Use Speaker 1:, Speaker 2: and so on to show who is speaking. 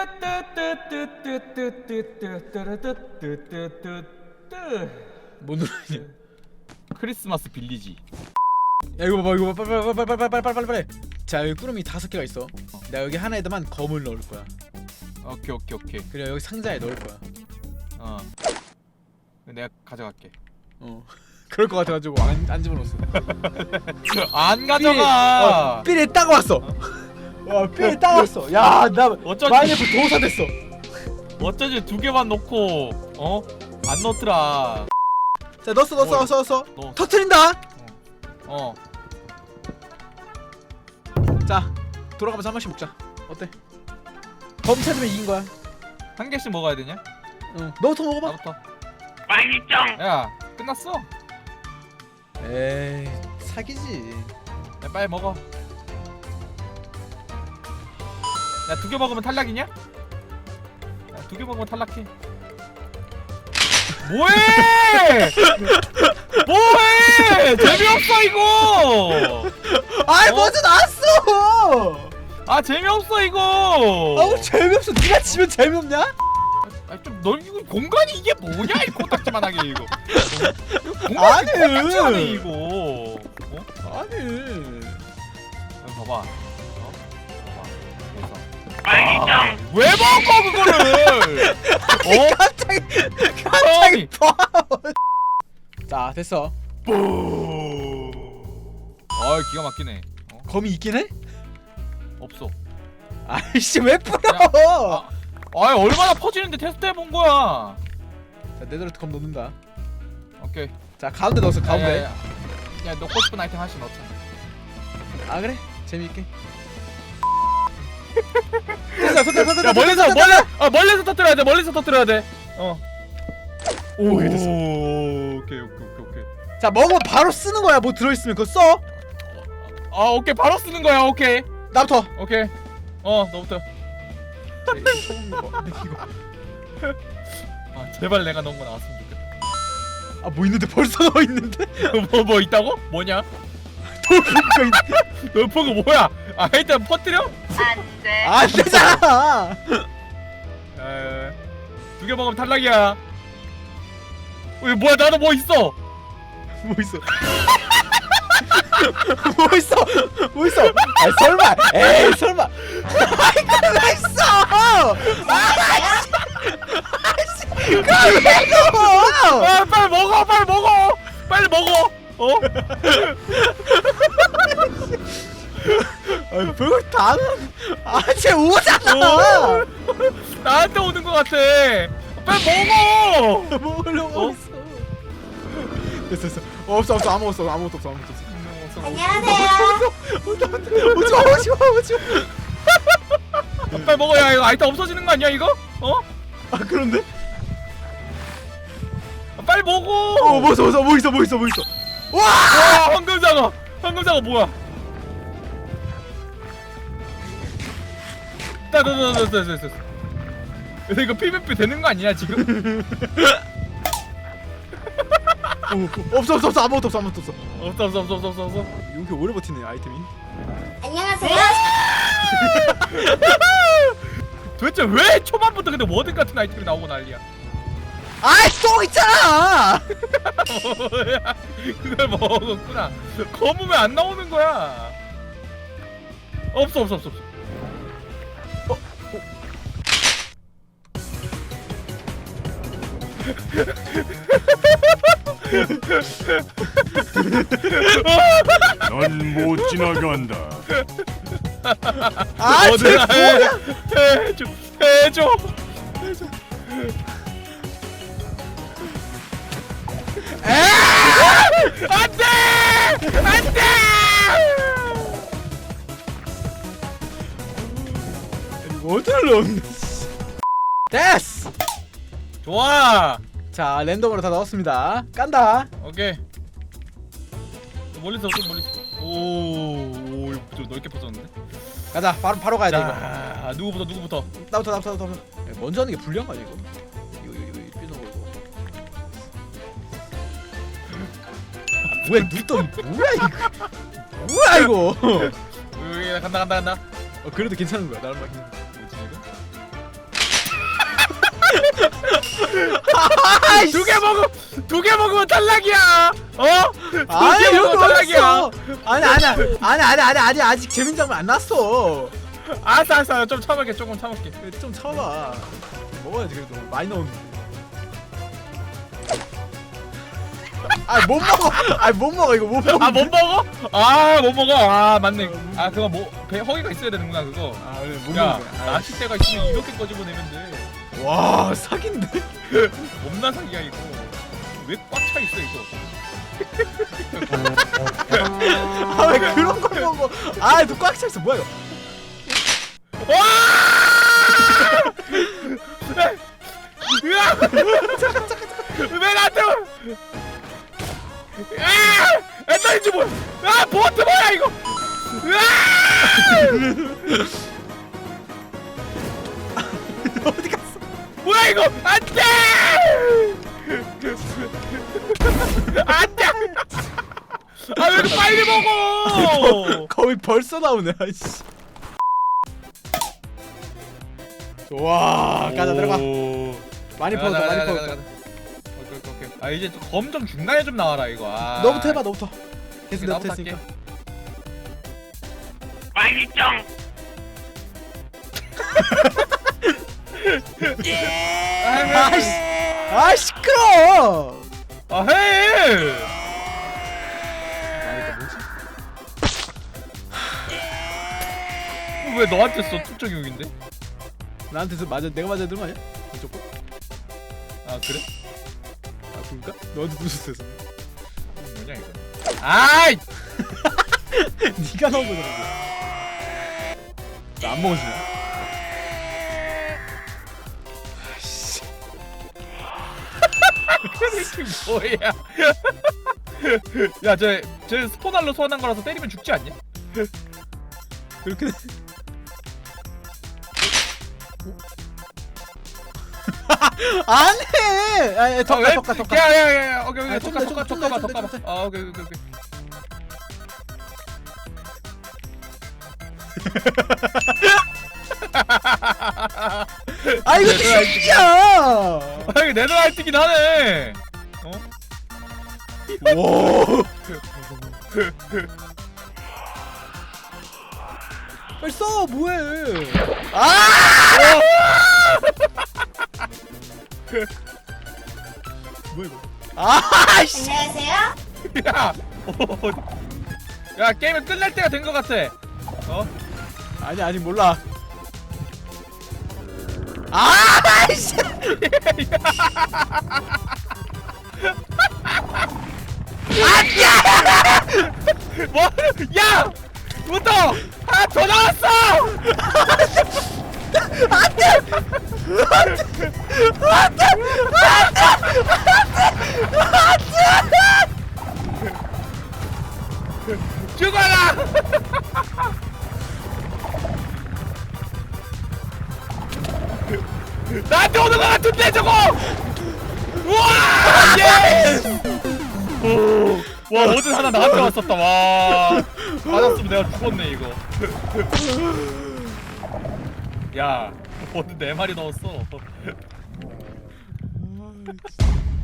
Speaker 1: 뭐 누르냐?
Speaker 2: 크리스마스 빌리지.
Speaker 1: 야 이거 봐봐 이거 빨리. 자 여기 꾸러미 5개가 있어. 내가 여기 하나에다만 검을 넣을 거야.
Speaker 2: 오케이.
Speaker 1: 그래 여기 상자에 넣을 거야.
Speaker 2: 내가 가져갈게.
Speaker 1: 그럴 것 같아가지고 안 집어넣었어.
Speaker 2: 안 가져가.
Speaker 1: 삘에 딱 왔어. 삘에 딱 왔어. 야 나
Speaker 2: 어쩐지
Speaker 1: 마이너스 도사 됐어.
Speaker 2: 어쩐지 2개만 넣고 안 넣더라.
Speaker 1: 자 넣었어.
Speaker 2: 넣어.
Speaker 1: 터트린다.
Speaker 2: 어.
Speaker 1: 자 돌아가면서 한 번씩 먹자. 어때? 검 찾으면 이긴 거야.
Speaker 2: 한 개씩 먹어야 되냐?
Speaker 1: 너부터 먹어봐.
Speaker 2: 나부터. 빨리짱. 야 끝났어.
Speaker 1: 에이 사기지.
Speaker 2: 야 빨리 먹어. 야 2개 먹으면 탈락이냐? 야 2개 먹으면 탈락해. 뭐해? 뭐해? 재미없어 이거.
Speaker 1: 아이 먼저 나왔어.
Speaker 2: 아 재미없어 이거.
Speaker 1: 아우 재미없어. 네가 지면 재미없냐?
Speaker 2: 좀 넓고 공간이 이게 뭐냐 이 코딱지만하게 이거. 공간이 코딱지만해 이거.
Speaker 1: 아니.
Speaker 2: 봐봐. 빨리짱. 왜 먹어 그거를?
Speaker 1: 갑자기 자 됐어.
Speaker 2: 기가 막히네.
Speaker 1: 검이 있긴 해?
Speaker 2: 없어.
Speaker 1: 아이씨 왜 뿌려?
Speaker 2: 얼마나 퍼지는데 테스트 해본 거야.
Speaker 1: 자 네더라이트 검 넣는다.
Speaker 2: 오케이.
Speaker 1: 자 가운데 넣었어 가운데.
Speaker 2: 야 넣고 싶은 아이템 하나씩 넣자.
Speaker 1: 아 그래? 재미있게. 터뜨려.
Speaker 2: 야 멀리서 터뜨려야 돼. 멀리서 터뜨려야 돼.
Speaker 1: 오케이 됐어.
Speaker 2: 오케이.
Speaker 1: 자 먹으면 바로 쓰는 거야. 뭐 들어있으면 그거 써.
Speaker 2: 오케이 바로 쓰는 거야. 오케이.
Speaker 1: 나부터.
Speaker 2: 오케이. 너부터. 제발 내가 넣은 거 나왔으면 좋겠다.
Speaker 1: 뭐 있는데 벌써 넣어 있는데?
Speaker 2: 뭐 있다고? 뭐냐? 너 본 거 뭐야? 일단 퍼뜨려?
Speaker 1: 안 되잖아.
Speaker 2: 2개 먹으면 탈락이야. 뭐야 나도 뭐 있어?
Speaker 1: 뭐 있어? 뭐 있어? 아 설마? 에이 설마? 이거 왜 있어? 아이씨, 그걸 왜 넣어?
Speaker 2: 빨리 먹어.
Speaker 1: 별걸 다 넣어. 쟤 오잖아.
Speaker 2: 나한테 오는 거 같아. 빨리 먹어.
Speaker 1: 먹으려고 있어. 됐어. 없어 아무것도 없어.
Speaker 3: 안녕하세요.
Speaker 1: 오지마.
Speaker 2: 빨리 먹어. 야 이거 아이템 없어지는 거 아니야 이거?
Speaker 1: 그런데?
Speaker 2: 빨리 먹어.
Speaker 1: 뭐 있어.
Speaker 2: 와 황금장어 뭐야? 됐어. 이거 PVP 되는 거 아니야 지금?
Speaker 1: 없어. 아무것도 없어.
Speaker 2: 없어.
Speaker 1: 여기 오래 버티네 아이템이.
Speaker 3: 안녕하세요.
Speaker 2: 도대체 왜 초반부터 근데 워든 같은 아이템이 나오고 난리야?
Speaker 1: 똥 있잖아.
Speaker 2: 뭐야? 그걸 먹었구나. 검은 왜 안 나오는 거야? 없어.
Speaker 4: 넌 못 지나간다.
Speaker 1: 쟤 뭐야?
Speaker 2: 해줘. 안돼.
Speaker 1: 어디를 넣었네. 됐어.
Speaker 2: 좋아.
Speaker 1: 자 랜덤으로 다 넣었습니다. 깐다.
Speaker 2: 오케이. 좀 멀리서. 오, 이거 좀 넓게 퍼졌는데.
Speaker 1: 가자. 바로 가야 돼 이거.
Speaker 2: 자, 누구부터?
Speaker 1: 나부터. 먼저 하는 게 불리한 거 아니야 이거? 이거 삐져 걸고. 뭐야 눈덩이 뭐야 이거?
Speaker 2: 여기 간다.
Speaker 1: 그래도 괜찮은 거야. 나름 막.
Speaker 2: 뭐지 이거? 두 개 먹으면 탈락이야. 어?
Speaker 1: 아니
Speaker 2: 두개
Speaker 1: 이런
Speaker 2: 먹으면
Speaker 1: 거
Speaker 2: 탈락이야.
Speaker 1: 어딨어? 아니 아직 재민 장면 안 났어.
Speaker 2: 알았어. 좀 참을게. 조금 참을게.
Speaker 1: 좀 참아봐. 먹어야지 그래도 많이 넣었는데. 못 먹어. 못 먹어 이거 못 먹어.
Speaker 2: 아, 못 먹어? 아, 못 먹어. 아, 맞네. 아, 그거 배 허기가 있어야 되는구나, 그거.
Speaker 1: 그래 못
Speaker 2: 야,
Speaker 1: 먹는 거야.
Speaker 2: 낚싯대가 있으면 이렇게 꺼집어 내면 돼.
Speaker 1: 와 사기인데.
Speaker 2: 겁나 사기야 이거. 왜 꽉 차 있어 이거?
Speaker 1: 왜 그런 걸 먹어? 너꽉 차 있어 뭐야 이거?
Speaker 2: 와! 으아! 왜 나한테? 엔더인지 뭐야? 보트 뭐야 이거?
Speaker 1: 어디 갔어?
Speaker 2: 뭐야 이거? 안돼! 안돼! 왜 이렇게 빨리 먹어?
Speaker 1: 거의 벌써 나오네. 아이씨. 와 가자 들어가. 많이 퍼졌다 많이 퍼졌다.
Speaker 2: 오케이. 이제 검 좀 중간에 좀 나와라 이거.
Speaker 1: 너부터 해봐 너부터. 계속
Speaker 2: 나부터
Speaker 1: 너부터 했으니까. 시끄러.
Speaker 2: 해! 왜 너한테 써? 특정용인데?
Speaker 1: 나한테서 내가 맞아야 되는 거 아니야? 무조건?
Speaker 2: 아 그래?
Speaker 1: 그러니까? 너한테 누웠어.
Speaker 2: 뭐냐 이거? 아이!
Speaker 1: 네가 넣은 거잖아. 나안 먹어주냐? 아이씨.
Speaker 2: 이게 뭐야? 야, 쟤 스포날로 소환한 거라서 때리면 죽지 않냐?
Speaker 1: 그렇게 돼. 안해. 더 가.
Speaker 2: 야야야, 오케이
Speaker 1: 아, 좀 더, 좀 더, 좀 더,
Speaker 2: 더
Speaker 1: 좀 더.
Speaker 2: 가봐. 아, 오케이.
Speaker 1: 이거 새끼야.
Speaker 2: 이게 내도 할뛰긴 하네. 어?
Speaker 1: 와. 빨리 써 뭐해? 뭐야 이거? 씨.
Speaker 3: 안녕하세요.
Speaker 2: 야, 야 게임이 끝날 때가 된 것 같아. 어?
Speaker 1: 아니 아직 몰라. 씨.
Speaker 2: 뭐? 야! 부터! 더 나왔어! 죽어라! 나한테 오는 것 같은데 저거! 우와! 예스! 와 어제 하나 나한테 왔었다. 와 맞았으면 내가 죽었네 이거. 야 어제 4마리 넣었어.